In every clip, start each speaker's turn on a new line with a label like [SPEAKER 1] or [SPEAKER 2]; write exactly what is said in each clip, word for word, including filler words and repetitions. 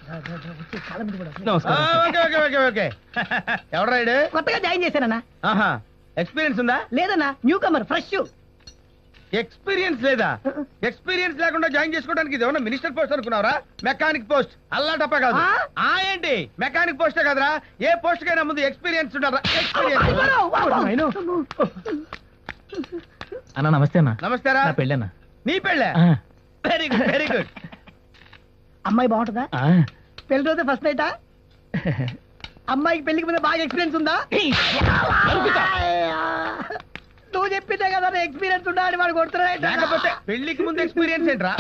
[SPEAKER 1] ఎవరు రైడ్?
[SPEAKER 2] కొత్తగా జాయిన్ చేశానన్నా.
[SPEAKER 1] ఆహా, ఎక్స్పీరియన్స్ ఉందా?
[SPEAKER 2] లేదన్నా, న్యూ కమర్, ఫ్రెష్.
[SPEAKER 1] ఎక్స్పీరియన్స్ లేదా? ఎక్స్పీరియన్స్ లేకుండా జాయిన్ చేసుకోవడానికి ఇది ఏమన్నా మినిస్టర్ పోస్ట్ అనుకున్నావరా? మెకానిక్ పోస్ట్ అల్లా టప్ప కాదు. ఆ ఏంటి మెకానిక్ పోస్టే కదరా, ఏ పోస్ట్ కైనా ముందు ఎక్స్పీరియన్స్ ఉండాలా? ఎక్స్పీరియన్స్.
[SPEAKER 3] అన్న నమస్తే అన్న.
[SPEAKER 1] నమస్తేరా.
[SPEAKER 3] పెళ్ళన్నా.
[SPEAKER 1] నీ పెళ్ళే? Very good very good.
[SPEAKER 2] అమ్మాయి బాగుంటుందా? పెళ్లి రోజు ఫస్ట్ నైటా? అమ్మాయికి పెళ్లికి ముందు బాగా ఎక్స్పీరియన్స్ ఉందా? నువ్వు చెప్పిందే కదా ఎక్స్పీరియన్స్ ఉందా అని వాడు కొడుతున్నాడు.
[SPEAKER 1] లేకపోతే పెళ్లికి ముందు ఎక్స్పీరియన్స్ ఏంట్రా?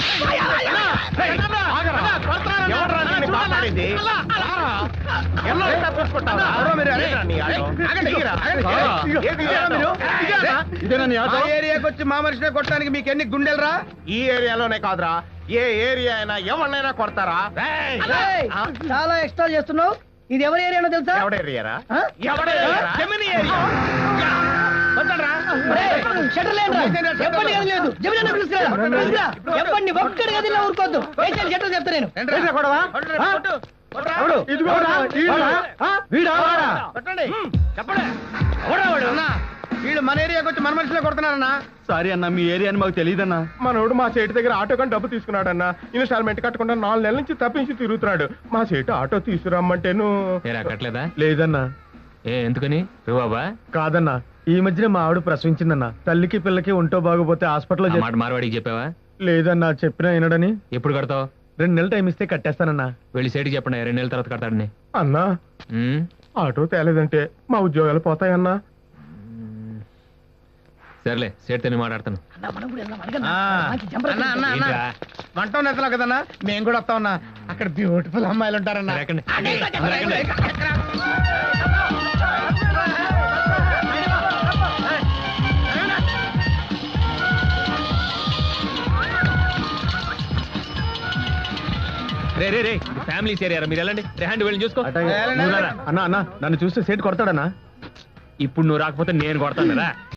[SPEAKER 1] ఏరియాకి వచ్చి మా మనిషినే కొట్టడానికి మీకు ఎన్ని గుండెలరా?
[SPEAKER 4] ఈ ఏరియాలోనే కాదురా, ఏ ఏరియా అయినా ఎవరినైనా కొడతారా?
[SPEAKER 2] చాలా ఎక్స్ట్రా చేస్తున్నావు. ఇది ఎవరి ఏరియానో తెలుసా?
[SPEAKER 4] ఎవడ ఏరియారా?
[SPEAKER 1] జమిని ఏరియా.
[SPEAKER 2] ఊరుకోద్దు. చెప్తా నేను.
[SPEAKER 1] వీళ్ళు మన ఏరియాకి వచ్చి మన మనుషులే కొడుతున్నారన్నా.
[SPEAKER 3] సారీ అన్న, మీ ఏరియా అని మాకు తెలియదన్నా.
[SPEAKER 4] మనోడు మా చేటి దగ్గర ఆటో కానీ డబ్బు తీసుకున్నాడన్నా. ఇన్స్టాల్మెంట్ కట్టకుండా నాలుగు నెలల నుంచి తప్పించి తిరుగుతున్నాడు. మా చేటు ఆటో తీసుకురమ్మంటేను
[SPEAKER 3] కట్టలేదా?
[SPEAKER 4] లేదన్నా.
[SPEAKER 3] ఏ ఎందుకని? బాబా
[SPEAKER 4] కాదన్నా, ఈ మధ్యన మా ఆవిడ ప్రసవించిందన్నా. తల్లికి పిల్లకి ఒంటో బాగోపోతే హాస్పిటల్లో
[SPEAKER 3] మాట మార్వాడికి చెప్పావా?
[SPEAKER 4] లేదన్నా, చెప్పినా వినడని.
[SPEAKER 3] ఎప్పుడు కడతావు?
[SPEAKER 4] రెండు నెలలు టైం ఇస్తే కట్టేస్తానన్నా.
[SPEAKER 3] వెళ్ళి సేటికి చెప్పండి, రెండు నెలల తర్వాత కడతాడని.
[SPEAKER 4] అన్నా ఆటో తేలేదంటే మా ఉద్యోగాలు పోతాయన్నా.
[SPEAKER 3] సర్లే, సేట్తో మాట్లాడతాను.
[SPEAKER 1] వంట నెత్తలో కదన్నా, మేము కూడా వస్తామన్నా. అక్కడ బ్యూటిఫుల్ అమ్మాయిలు ఉంటారన్నా.
[SPEAKER 3] రే రే రే ఫ్యామిలీ ఏరియా, మీరు వెళ్ళండి. రెహాండ్ వెళ్ళి చూసుకో.
[SPEAKER 4] అన్నా అన్నా నన్ను చూస్తే సేట్ కొడతాడన్నా.
[SPEAKER 3] ఇప్పుడు నువ్వు రాకపోతే నేను కొడతాను కదా.